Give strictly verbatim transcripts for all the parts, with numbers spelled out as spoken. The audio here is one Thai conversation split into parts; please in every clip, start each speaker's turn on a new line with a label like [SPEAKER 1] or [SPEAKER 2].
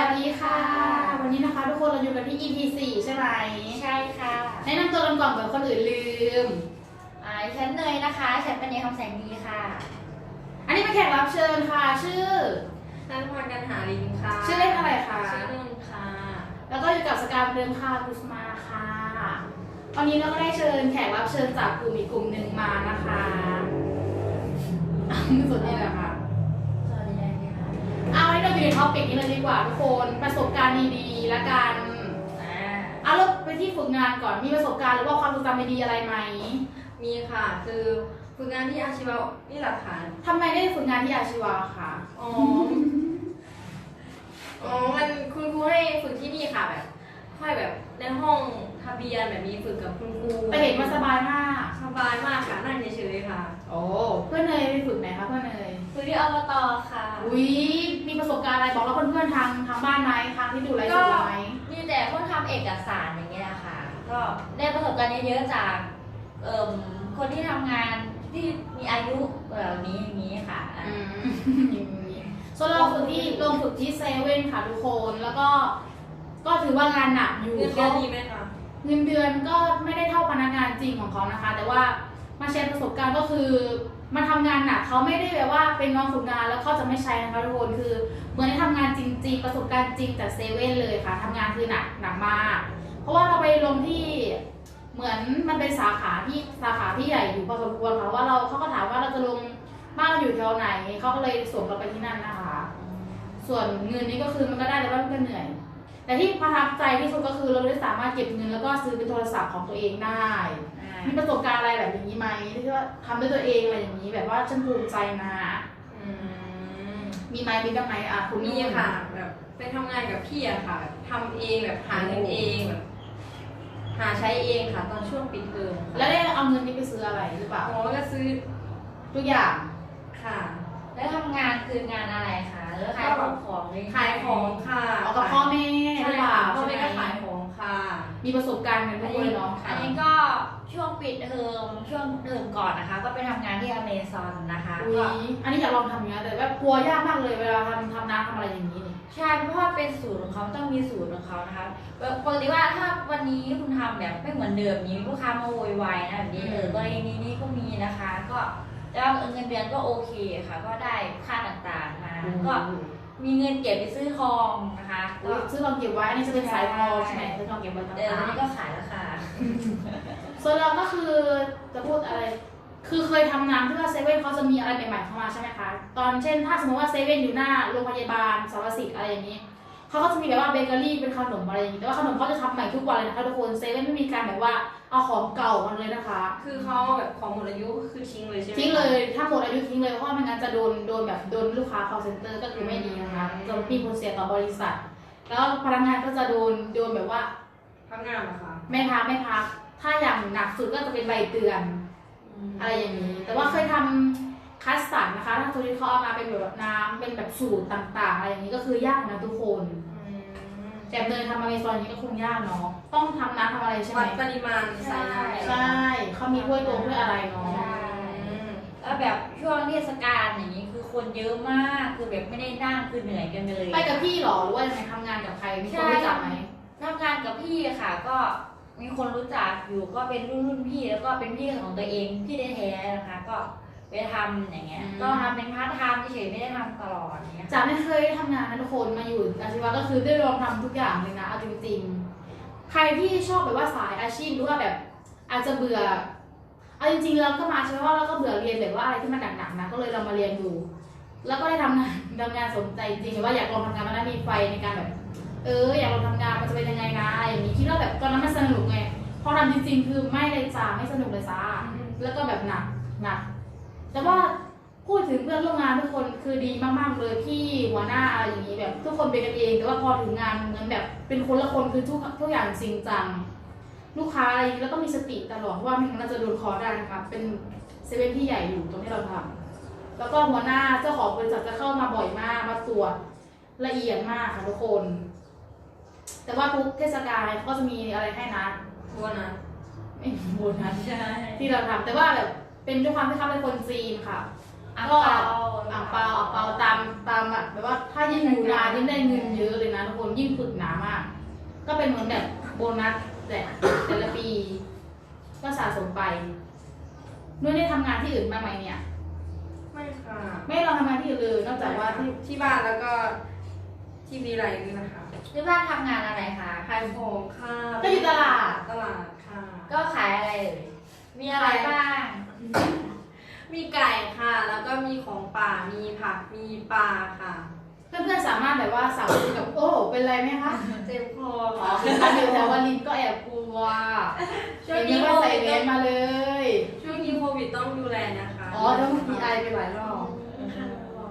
[SPEAKER 1] ดีค่ะวันนี้นะคะทุกคนเราอยู่กันที่ อี พี สี่ใช่ไหม
[SPEAKER 2] ใช่ค่ะ
[SPEAKER 1] แนะนำตัวกันก่อนเผื่อคนอื่นลืม
[SPEAKER 2] อ่าฉันเนยนะคะฉันเป็นเนยคำแสงดีค่ะ
[SPEAKER 1] อันนี้เป็นแขกรับเชิญค่ะชื่อ
[SPEAKER 3] นันพรกันหาลินค่ะ
[SPEAKER 1] ชื่อเล่นอะไรคะ
[SPEAKER 3] ชื่อนุ่นค่ะ
[SPEAKER 1] แล้วก็อยู่กับสกาวเดิมค่ะกุสมาค่ะวันนี้เราก็ได้เชิญแขกรับเชิญจากกลุ่มอีกกลุ่มหนึ่งมานะคะสวัสดีนะคะ
[SPEAKER 2] สวัสดีค่ะ
[SPEAKER 1] เอาให้เราอยู่ในท็อปิกนี้เลยดีกว่าทุกคนประสบการณ์ดีๆและกันเอาเราไปที่ฝึกงานก่อนมีประสบการณ์หรือว่าความทรงจำดีๆอะไรไหม
[SPEAKER 3] มีค่ะคือฝึกงานที่อาชีวะนี่แหละค่ะ
[SPEAKER 1] ทำไมได้ฝึกงานที่อาชีวะคะ
[SPEAKER 3] อ๋ออ๋อมันคุณครูให้ฝึกที่นี่ค่ะแบบค่อยแบบในห้องทะเบียนแบบมีฝึกกับคุณครู
[SPEAKER 1] แต่เห็นมันสบายมาก
[SPEAKER 3] สบายมากค่ะนั่งเฉยๆค่ะ
[SPEAKER 1] โอ้เพื่อนเนยไปฝึกไหนคะเพื่อนเนย
[SPEAKER 2] ฝึกที่อบต.ค่ะ
[SPEAKER 1] อุ้ยมีประสบการณ์อะไรบอกแล้วเพื่อนๆทางทางบ้านไหมทางที่ดูไลฟ์สดไหม
[SPEAKER 2] มีแต่พวกทำเอกสารอย่างเงี้ยค่ะก็ได้ประสบการณ์เยอะๆจากเอ่อคนที่ทำงานที่มีอายุแบบนี้อย่างนี้ค่ะ
[SPEAKER 1] อืมส่วนเราฝึกที่ลงฝึกที่เซเว่นค่ะทุกคนแล้วก็ก็ถือว่างานหนักอยู่
[SPEAKER 3] เงินเดือนดีไหมคะ
[SPEAKER 1] เงินเดือนก็ไม่ได้เท่าพนักงานจริงของเขานะคะแต่ว่ามาแชร์ประสบการณ์ก็คือมาทำงานหนักเขาไม่ได้แบบว่าเป็นน้องฝึกงานแล้วเขาจะไม่ใช้นะคะทุกคนคือเหมือนได้ทำงานจริงๆประสบการณ์จริงจากเซเว่นเลยค่ะทำงานคือหนักหนักมากเพราะว่าเราไปลงที่เหมือนมันเป็นสาขาที่สาขาที่ใหญ่อยู่พอสมควรค่ะว่าเราเขาก็ถามว่าเราจะลงบ้านเราอยู่แถวไหนเขาก็เลยส่งเราไปที่นั่นนะคะส่วนเงินนี้ก็คือมันก็ได้แต่ว่ามันก็เหนื่อยแต่ที่ประทับใจที่สุดก็คือเราได้สามารถเก็บเงินแล้วก็ซื้อเป็นโทรศัพท์ของตัวเองได้มีประสบการณ์อะไรแบบนี้ไหมที่ว่าทำด้วยตัวเองอะไรอย่างนี้แบบว่าฉันภูมิใจนะมีไหมมีบ้างไหมอ่ะคุณ
[SPEAKER 3] มีค่ะแบบไปทำงานกับพี่อะค่ะทำเองแบบหาเงินเองแบบหาใช้เองค่ะตอนช่วงปิดเทอม
[SPEAKER 1] แล้วได้เอาเงินนี้ไปซื้ออะไรหรือเปล่า
[SPEAKER 3] อ๋อก็ซื้อ
[SPEAKER 1] ทุกอย่าง
[SPEAKER 3] ค่ะ
[SPEAKER 2] แล้วทำงานคืองานอะไรคะแล้วขายของของ
[SPEAKER 3] ขายของค่ะ
[SPEAKER 1] เอากับพ่อแม่
[SPEAKER 3] ใช่ค่ะพ่อแม่ก็ขายของค่ะ
[SPEAKER 1] มีประสบการณ์กันทุกคนเลยเนาะ
[SPEAKER 2] อันนี้ก็ช่วงปิดเทอมช่วงเทอมก่อนนะคะก็ไปทำงานที่อเมซอนนะคะ
[SPEAKER 1] ก็อันนี้อยากลองทำอย่างนี้แต่ว่ากลัวยากมากเลยเวลาทำทำน้ำทำอะไรอย่างนี้นี่
[SPEAKER 2] ใช่เพราะว่าเป็นสูตรของเขาต้องมีสูตรของเขานะคะปกติว่าถ้าวันนี้คุณทำแบบไม่เหมือนเดิมนี้ลูกค้ามาโวยวายนะแบบนี้เออกรณีนี้ก็มีนะคะก็แล้วเงินเดือนก็โอเคค่ะก็ได้ค่าต่างๆมาก็มีเงินเก็บไปซื้อทองนะคะ
[SPEAKER 1] ก็ซื้อทองเก็บไว้นี่จะเป็นสายทองใช่ไหมซื้อทองเก็บไว้ต่างๆเดี๋ยว
[SPEAKER 2] นี้ก็ขายแล้วค่ะ
[SPEAKER 1] ส่วนเราก็คือจะพูดอะไรคือเคยทำงานที่ว่าเซเว่นเขาจะมีอะไรใหม่ๆเข้ามาใช่ไหมคะตอนเช่นถ้าสมมติว่าเซเว่นอยู่หน้าโรงพยาบาลสารสิทธิ์อะไรอย่างนี้เขาก็จะมีแบบว่าเบเกอรี่เป็นขนมอะไรอย่างนี้แต่ว่าขนมเขาจะทำใหม่ทุกวันเลยนะคะทุกคนเซเว่นไม่มีการแบบว่าเอาของเก่ามาเลยนะคะ
[SPEAKER 3] คือเขาแบบของหมดอายุคือทิ้งเลยใช่ไหม
[SPEAKER 1] ทิ้งเลยถ้าหมดอายุทิ้งเลยเพราะว่าไม่งั้นจะโดนโดนแบบโดนลูกค้า call center ก็คือไม่ดีนะคะจะมีผลเสียต่อบริษัทแล้วพนักงานก็จะโดนโดนแบบว่า
[SPEAKER 3] พักงานนะคะ
[SPEAKER 1] ไม่พักไม่พักถ้าอย่างหนักสุดก็จะเป็นใบเตือนอะไรอย่างนี้แต่ว่าเคยทำคัสตาร์ดนะคะถ้าตัวที่เขาเอามาเป็นแบบน้ำเป็นแบบสูตรต่างๆอะไรอย่างนี้ก็คือยากนะทุกคนแต่เนยทำอเมซอนนี้ก็คงยากเนาะต้องทำน้ำทำอะไรใช่ไหม
[SPEAKER 3] วัดปริมาณใส่น้
[SPEAKER 1] ำใช่เขามีถ้วยตวงถ้วยอะไรเนาะ
[SPEAKER 2] แล้วแบบช่วงเทศกาลอย่างนี้คือคนเยอะมากคือแบบไม่ได้นั่งคือเหนื่อยกันไปเลย
[SPEAKER 1] ไปกับพี่หรอหรือว่ายังไงทำงานกับใครมีคนรู้จักไหม
[SPEAKER 2] ทำงานกับพี่ค่ะก็มีคนรู้จักอยู่ก็เป็นรุ่นรุ่นพี่แล้วก็เป็นพี่ของตัวเองพี่แท้ๆนะคะก็ไปทำอย่างเงี้ยก็ทำเป็นพาร์ทไทม์เฉยๆไม่ได้ทำตลอดเนี้ย
[SPEAKER 1] จากไม่เคยทำงานนะทุกคนมาอยู่อาชีวะก็คือได้ลองทำทุกอย่างเลยนะเอาจริงๆใครที่ชอบแบบว่าสายอาชีพหรือว่าแบบอาจจะเบื่อเอาจริงๆเราก็มาใช่ไหมว่าเราก็เบื่อเรียนแบบว่าอะไรที่มันหนักๆนะก็เลยเรามาเรียนดูแล้วก็ได้ทำงานทำงานสนใจจริงๆว่าอยากลองทำงานมันมีไฟในการแบบเอออยากลองทำงานมันจะเป็นยังไงนะอะไรอย่างนี้คิดว่าแบบตอนนั้นมันสนุกไงพอทำจริงๆคือไม่เลยจ้าไม่สนุกเลยจ้าแล้วก็แบบหนักหนักแต่ว่าพูดถึงเพื่อนร่วมงานทุกคนคือดีมากๆเลยพี่หัวหน้าอะไรอย่างนี้แบบทุกคนเป็นกันเองแต่ว่าพอถึงงานเหมือนแบบเป็นคนละคนคือทุกทุกอย่างจริงจังลูกค้าอะไรแล้วก็มีสติตลอดเพราะว่าไม่งั้นเราจะโดนคอได้นะคะเป็นเซเว่นที่ใหญ่อยู่ตรงที่เราทำแล้วก็หัวหน้าเจ้าของบริษัทจะเข้ามาบ่อยมากมาตรวจละเอียดมากค่ะทุกคนแต่ว่าทุกเทศกาลก็จะมีอะไรให้นะ
[SPEAKER 3] โบนัส
[SPEAKER 1] ไม่โบนัสที่เราทำแต่ว่าแบบเป็นด้วยความที่เขาเป็นคนจีนค่ะ
[SPEAKER 2] อ่าง
[SPEAKER 1] เปา
[SPEAKER 2] อ่
[SPEAKER 1] างเปาอ่างเปาตามตามแบบว่าถ้ายิ่งอยู่นานยิ่งได้เงินเยอะเลยนะทุกคนยิ่งฝึกหนามาก ก็เป็นเหมือนแบบโบนัสแต่แต่ละปี ก็สะสมไปนุ่นได้ทำงานที่อื่นบ้างไหมเนี่ย
[SPEAKER 3] ไม่ค่ะ
[SPEAKER 1] ไม่ลองทำงานที่อื่นเลยนอกจากว่าที่
[SPEAKER 3] ที่บ้านแล้วก็ที่วิไลนี่นะคะ
[SPEAKER 2] ที่บ้านทำงานอะไรคะ
[SPEAKER 3] ขายของค่ะ
[SPEAKER 1] ก็อยู่ตลาด
[SPEAKER 3] ตลาดค่ะ
[SPEAKER 2] ก็ขายอะไรเอ่ยมีอะไรบ้าง
[SPEAKER 3] มีไก่ค่ะ แล้วก็มีของป่ามีผักมีปลาค่ะ
[SPEAKER 1] เพื่อนๆสามารถแบบว่าสาวกับโอ้เป็นไรไหมคะ
[SPEAKER 3] เจ็บคอ
[SPEAKER 1] อ๋อ
[SPEAKER 3] ค่ะ
[SPEAKER 1] คือการอยู่แถววาลินก็แอบกลัว
[SPEAKER 3] ช่วง
[SPEAKER 1] เดี๋
[SPEAKER 3] นี้
[SPEAKER 1] ยว
[SPEAKER 3] โค
[SPEAKER 1] ว่าใส่
[SPEAKER 3] วิด
[SPEAKER 1] เวสมาเลย
[SPEAKER 3] ช่วงนี้โควิดต้องดูแลนะคะ
[SPEAKER 1] อ๋อต้องพีไอไปหลายรอบ
[SPEAKER 3] ค่ะ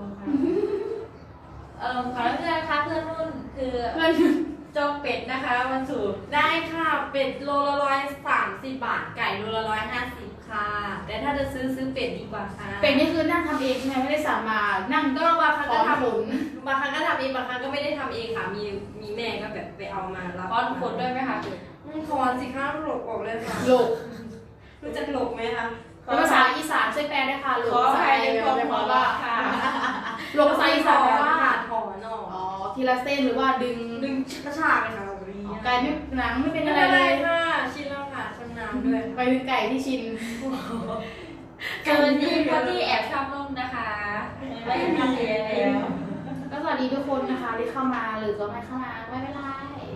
[SPEAKER 2] เอ่อขอรับเพื่อนนะคะเพื่อนรุ่นคือ
[SPEAKER 1] เพื่อน
[SPEAKER 2] จงเป็ดนะคะวันศุกร์
[SPEAKER 3] ได้ค่ะ เป็ดโลละร้อยสามสิบบาท ไก่โลละร้อยห้าสิบค่ะ แต่ถ้าจะซื้อซื้อเป็ดดีกว่าค่ะ
[SPEAKER 1] เป็นนี่คือนั่งทำเองใช่ไหมไม่ได้สามมานั่ง
[SPEAKER 3] ก็บางครั้งก็ท
[SPEAKER 1] ขน
[SPEAKER 3] ำบางครั้งก็ทำเองบางครั้งก็ไม่ได้ทำเองค่ะ มีมีแม่ก็แบบไปเอามารับ
[SPEAKER 2] พอนขนด้วยไหมคะ
[SPEAKER 3] อืมถอนสิคะหลบออกเลยค่ะ
[SPEAKER 1] หลบ
[SPEAKER 3] รู้จักหลบไหมคะ
[SPEAKER 1] เป็นภาษาอีสานช่วยแปลได้วยค่ะหลบ
[SPEAKER 2] ขอ
[SPEAKER 1] ภาษา
[SPEAKER 2] ใคร
[SPEAKER 1] ไทย
[SPEAKER 2] ใน
[SPEAKER 1] เป็น
[SPEAKER 2] ความ
[SPEAKER 1] แปล
[SPEAKER 2] หัว
[SPEAKER 1] ว่า
[SPEAKER 2] เราะค่ะ
[SPEAKER 1] หลบภาษาอีสานแปลว่า
[SPEAKER 3] ค่ะถอนออก
[SPEAKER 1] อ๋อทีละเส้นหรือว่าดึง
[SPEAKER 3] ดึงกระชากเลยค่ะแบบนี้
[SPEAKER 1] อ๋อไก่ไม่หนังไม่เป็น
[SPEAKER 3] ไม่
[SPEAKER 1] อะไร
[SPEAKER 3] เป็น
[SPEAKER 1] เล
[SPEAKER 3] ไร
[SPEAKER 1] ย
[SPEAKER 3] ค่ะชินแล้วค่ะชำนาญด้วย
[SPEAKER 1] ไปถึงไก่ที่ชิน
[SPEAKER 2] เจอที่คนที่แอบชอบนุ่มนะคะไม่ได้ทำเองแล้ว
[SPEAKER 1] ก็สวัสดีทุกคนนะคะที่เข้ามาหรือก็ไม่เข้ามาไม่เป็นไร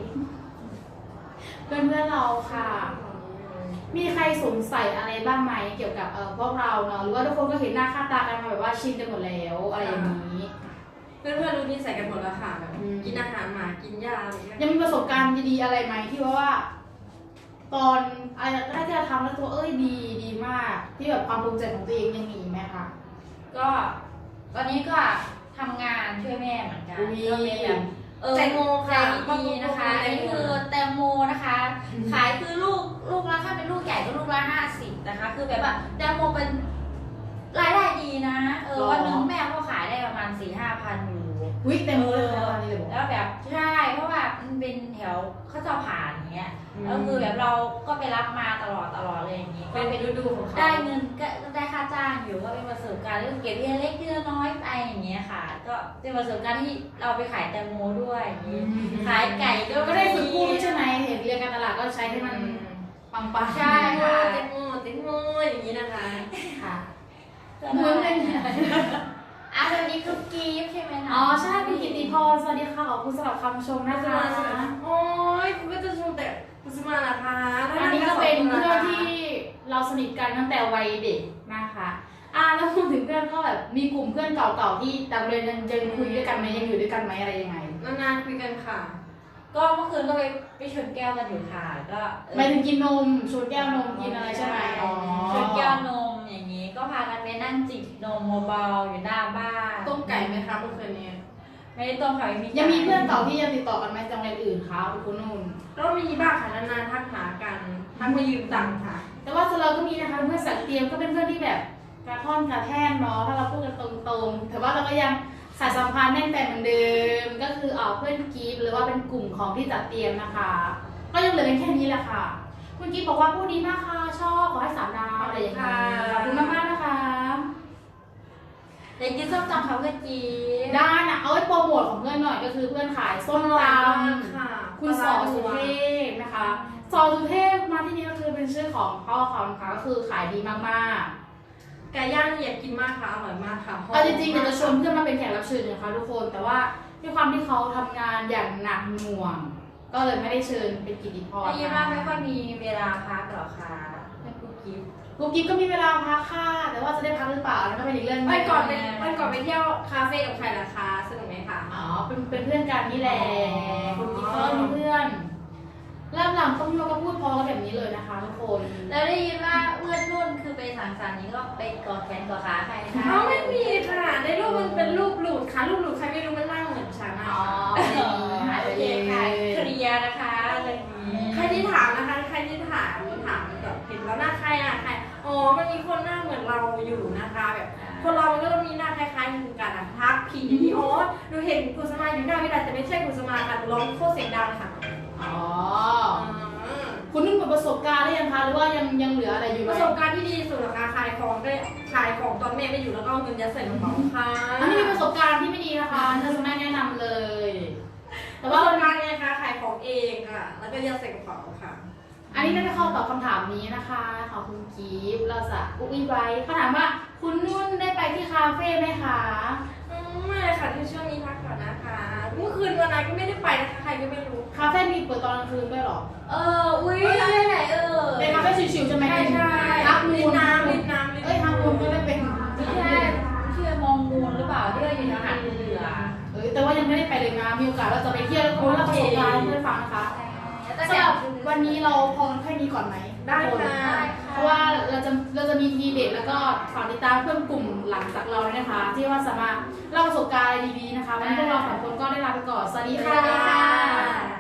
[SPEAKER 1] เพื่อนเพื่อนๆเราค่ะ มีใครสงสัยอะไรบ้างไหมเกี่ยวกับเอ่อพวกเราเนาะหรือว่าทุกคนก็เห็นหน้าค่าตากันมาแบบว่าชินกันหมดแล้วอะไรอย่างนี้
[SPEAKER 3] เพื่อนๆรู้นิสัยกันหมดแล้วค่ะแบบ
[SPEAKER 1] อืม
[SPEAKER 3] กินอาหารหมากินยาอะไรอย่างเงี้ย
[SPEAKER 1] ยังมีประสบการณ์ดีๆอะไรไหมที่ว่าว่า ตอนอะไรแรกที่เราทำแล้วตัวเอ้ยดีดีมาก ที่แบบความภูมิใจของตัวเองยังมีไหมคะ
[SPEAKER 2] ก็ตอนนี้ก็ทำงานช่วยแม่เหมือนกัน
[SPEAKER 1] อุ๊ย
[SPEAKER 2] ก็เป็นแบบเออ
[SPEAKER 3] แตงโม
[SPEAKER 2] ใจ
[SPEAKER 3] ค่ะ
[SPEAKER 2] ดีนะคะอันนี้คือแตงโมนะคะ ขายคือลูกลูกละถ้าเป็นลูกใหญ่ก็ลูกละห้าสิบนะคะ คือแบบว่าแตงโมเป็นรายได้ดีนะเออวันหนึงแม่ก็ขายได้ประมาณสี่ห้าพันอยู่
[SPEAKER 1] วิเต็มเลยค่ะตอนนี้เลยบอก
[SPEAKER 2] แล้วแบบใช่เพราะว่ามันเป็นแถวเขาจะผ่านอย่างเงี้ย
[SPEAKER 1] อืม
[SPEAKER 2] แล้วคือแบบเราก็ไปรับมาตลอดตลอดเลยอย่างงี้
[SPEAKER 3] เป็นฤดูของเขา
[SPEAKER 2] ได้เงินก็ได้ค่าจ้างอยู่ก็เป็นประสบการณ์เรื่องเก็บทีละเล็กทีละน้อยไปอย่างเงี้ยค่ะ ก็เป็นประสบการณ์ที่เราไปขายแตงโมด้วยอย่างงี้ขายไก่ก็
[SPEAKER 1] ก็ได้ฝึกพูดด้วยใช่ไหมเห็นเรียนการตลาดก็ใช้ให้มันปังปัง
[SPEAKER 2] ใช่ค่ะ
[SPEAKER 3] เต็มโมเต็มโมอย่างนี้นะคะ
[SPEAKER 1] ค่ะ
[SPEAKER 2] เหมือนเลยอ่ะวันนี้คือกีฟใช่ไหมนะ
[SPEAKER 1] อ๋อใช่คุณกิติพรสวัสดีค่ะขอบคุณสำหรับคำชม
[SPEAKER 3] คุ
[SPEAKER 1] นะ
[SPEAKER 3] ณส
[SPEAKER 1] คะ
[SPEAKER 3] มาใช่ไหมโอ้ยคุณก็จะชมแต่คุณสมานะคะ
[SPEAKER 1] อันนี้ก็เป็นเพื่อนที่เราสนิทกันตั้งแต่วัยเด็กนะคะอ่าแล้วพูดถึงเพื่อนก็แบบมีกลุ่มเพื่อนเก่าๆที่ต่างเรียนยังยังคุยด้วยกันไหมยังอยู่ด้วยกันไหมอะไรยังไง
[SPEAKER 3] นานๆคุยกันค่ะ
[SPEAKER 2] ก็เมื่อคืนก็ไปไปชนแก้วกันอยู่ค่ะก็เออ
[SPEAKER 1] หมายถึงกินนมชวนแก้วนมกินอะไรใช่ไหมอ๋อ
[SPEAKER 2] ชนแก้วนมอย่างงี้ ก็พากันไปนั่งจิบนมเบาๆอยู่หน้าบ้าน
[SPEAKER 3] ต้มไก่ไหมคะเมื่อคืนนี้
[SPEAKER 2] ไม่ได้ต้มค่ะไม่มี
[SPEAKER 1] ยังมีเพื่อนเก่าที่ยังติดต่อกันไหมจังเรียนอื่นคะคุณนุ่น
[SPEAKER 3] ก็มีบ้างค่ะนานๆทักหากันทักมายืมตังค์ค่ะ
[SPEAKER 1] แต่ว่าส่วนเราก็มีนะคะเพื่อนสักเตรียมก็เป็นเพื่อนที่แบบกระท่อนกระแท่นเนาะถ้าเราพูดกันตรงๆแต่ว่าเราก็ยังสายสัมพันธ์แน่นแฟนเหมือนเดิม ก็คือเออเพื่อนกีฟหรือว่าเป็นกลุ่มของที่จัดเตรียมนะคะ ก็ยังเหลือเป็นแค่นี้แหละค่ะ คุณกีฟบอกว่าพูดดีมากค่ะชอบขอให้สามดาวอะไรอย่างเงี้ยขอบคุณมากๆนะคะ
[SPEAKER 2] เด็กกินส้มตำเขาเพื่อนกีฟ
[SPEAKER 1] ได้นะเอาไว้โปรโมทของเพื่อนหน่อยก็คือเพื่อนขายส้มตำ
[SPEAKER 3] ค่ะ
[SPEAKER 1] คุณสอสุเทพนะคะสอสุเทพมาที่นี่ก็คือเป็นชื่อของพ่อเขานะคะก็คือขายดีมากๆ
[SPEAKER 3] ไก่ย่างนี่อยากกินมากค่ะอร่อยมากค่ะ
[SPEAKER 1] เอาจริงๆเดี๋ยวจะชวนเพื่อนมาเป็นแขกรับเชิญนะคะทุกคน แต่ว่าด้วยความที่เขาทำงานอย่างหนักหน่วง ก็เลยไม่ได้เชิญเป็นกิตติพร
[SPEAKER 2] ได้ยินว่าไม่ค่อยมีเวลาพักหรอคะเพื่อนกุ๊กกิ๊บ
[SPEAKER 1] กุ๊กกิ๊บก็มีเวลาพักค่ะ แต่ว่าจะได้พักหรือเปล่านั่นก็เป็นอีกเรื่องหนึง
[SPEAKER 3] วันก่อนไปวันก่อนไปเที่ยวคาเฟ่กับใครล่ะคะสนุกไหมคะ
[SPEAKER 1] อ๋อเป็นเป็นเพื่อนกันนี่แหละ
[SPEAKER 3] อ๋อ
[SPEAKER 1] กุ๊กกิ๊บก็มีเพื่อนเริ่มหลังต้องโยกก็พูดพอกันแบบนี้เลยนะคะทุกคน
[SPEAKER 2] แล้วได้ยินว่าเพื่อนนุ่นคือไปสังสรรค์นี้ก็ไปกอดแขนกอดขาใครคะ
[SPEAKER 3] เขาไม่มีค่ะในรูปมันเป็นรูปหลุดค่ะรูปหลุดใครไม่รู้มันนั่งเหมือนฉัน
[SPEAKER 1] อ๋
[SPEAKER 3] อะ
[SPEAKER 1] อไม่มีหายไป
[SPEAKER 2] โอ
[SPEAKER 1] เล
[SPEAKER 2] เคค่ะเค
[SPEAKER 1] ย
[SPEAKER 2] ลียร์นะคะเรื่องนี้
[SPEAKER 3] ใครที่ถามนะคะใครที่ถามถามแบบเห็นแล้วหน้าใครอะใครอ๋อมันมีคนหน้าเหมือนเราอยู่นะคะแบบคนเรามันก็ต้องมีหน้าคล้ายๆกันอะทักผีดีอ๋อดูเห็นกุสมาอยู่หน้าวิลาแต่ไม่ใช่กุสมาค่ะร้องโคตรเสียงดังค่ะ
[SPEAKER 1] อ๋อ
[SPEAKER 3] อืม
[SPEAKER 1] คุณนุ่นหมดประสบการณ์หรือยังคะหรือว่ายังยังเหลืออะไรอยู่ไห
[SPEAKER 3] ป
[SPEAKER 1] ม
[SPEAKER 3] ระสบการณ์ที่ดีสุดเหรอคะขายของได้ขายของตอนแม่ไม่อยู่แล้วก็เอาเงินยัดใส่กระเป๋าค่ะ
[SPEAKER 1] อันนี้มีประสบการณ์ที่ไม่ดีนะคะเธอจะไม่แนะนำเลย แต่
[SPEAKER 3] แต่
[SPEAKER 1] ว่า
[SPEAKER 3] ว่าประสบการณ์ไงของเองค่ะ แล้วก็ยัดใส่กระเป๋าค่ะ
[SPEAKER 1] อันนี้ได้เข้าตอบคำถามนี้นะคะขอบคุณกีฟเราจะอุ้ยไว้เขาถามว่าคุณนุ่นได้ไปที่คาเฟ่ไหมคะ
[SPEAKER 3] อืมไม่เลยค่ะที่ช่วงนี้พักก่อนนะคะเมื่อคืนวันนั้นก็ไม่ได้ไปนะคะใครก็ไม่รู้
[SPEAKER 1] คาเฟ่มีเปิดตอนกลางคืนด้วยเหรอ
[SPEAKER 2] เอออุ้ยได้ไหนเออ
[SPEAKER 1] เป็นคาเฟ่ชิวๆใช่ไหม
[SPEAKER 3] ใช่ใช่
[SPEAKER 1] ฮักมู
[SPEAKER 3] ลิน
[SPEAKER 1] น
[SPEAKER 3] น้ำลินน้ำลิน
[SPEAKER 1] เอ้ยฮักมูนก็ได้เป็น
[SPEAKER 2] ไม่ใช่ชื่อมองมูลหรือเปล่าที่เราอยู่ทางหาดเรือ
[SPEAKER 1] เอ้ยแต่ว่ายังไม่ได้ไปเลยนะมีโอกาสเราจะไปเที่ยวแล้วก็เราประสบการณ์ให้เพื่อนฟังนะคะสำหรับวันนี้เราพอแค่นี้ก่อนไหม
[SPEAKER 3] ได้ค่ะ
[SPEAKER 1] เพราะว่าเราจะเราจะมีทีเด็ดแล้วก็ฝากติดตามเพื่อนกลุ่มหลังจากเราเลยนะคะ ที่ว่าสามารถเล่าประสบการณ์อะไรดีๆนะคะวันนี้พวกเราสองคนก็ได้ลาไปก่อนสวัสดี
[SPEAKER 3] ส
[SPEAKER 1] ค่
[SPEAKER 3] วัสดีค่ะ
[SPEAKER 1] ะ